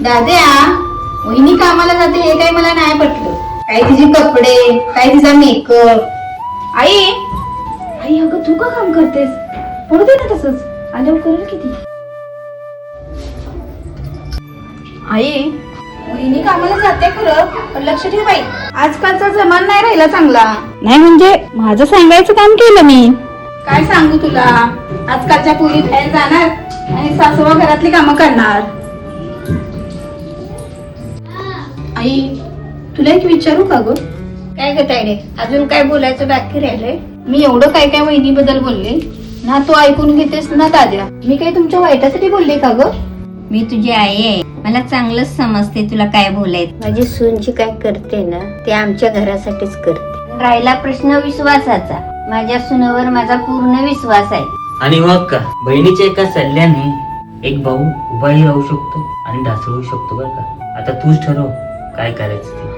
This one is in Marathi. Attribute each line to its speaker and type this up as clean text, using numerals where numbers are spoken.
Speaker 1: दाद्या, वहिनी कामाला जाते हे काही मला नाही पटलं. काय तिचे कपडे, काय तिचा मेकअप. आई आई अगं तू का काम करतेस? पडू दे ना तसंच, आल्यावर करेल किती. आई वहिनी कामाला जाते खरं, पण लक्ष ठेव बाई, आजकालचा जमाना नाही राहिला चांगला.
Speaker 2: नाही म्हणजे माझं सांगायचं काम केलं मी.
Speaker 1: काय सांगू तुला, आजकालच्या पोरी बाहेर जाणार आणि सासवा घरातली कामं करणार. आई तुला एक विचारू का ग?
Speaker 3: काय ग तायडे, अजून काय बोलायचं बाकी राहिलंय?
Speaker 1: मी एवढं काय काय वहिनीबद्दल बोलले ना, तू ऐकून घेतेस ना दाद्या. मी काही तुमच्या वाईटासाठी बोलले का ग?
Speaker 3: मी तुझी आई आहे, मला चांगलंच समजते तुला काय बोलायचं. माझी सून जी काय करते ना ते आमच्या घरासाठीच करते. राहिला प्रश्न विश्वासाचा, माझ्या सुनावर माझा पूर्ण विश्वास आहे.
Speaker 4: आणि मग का बहिणीच्या एका सल्ल्याने एक भाऊ उभाही राहू शकतो आणि ढासळू शकतो बरं का. आता तूच ठरव काय करायचं ते.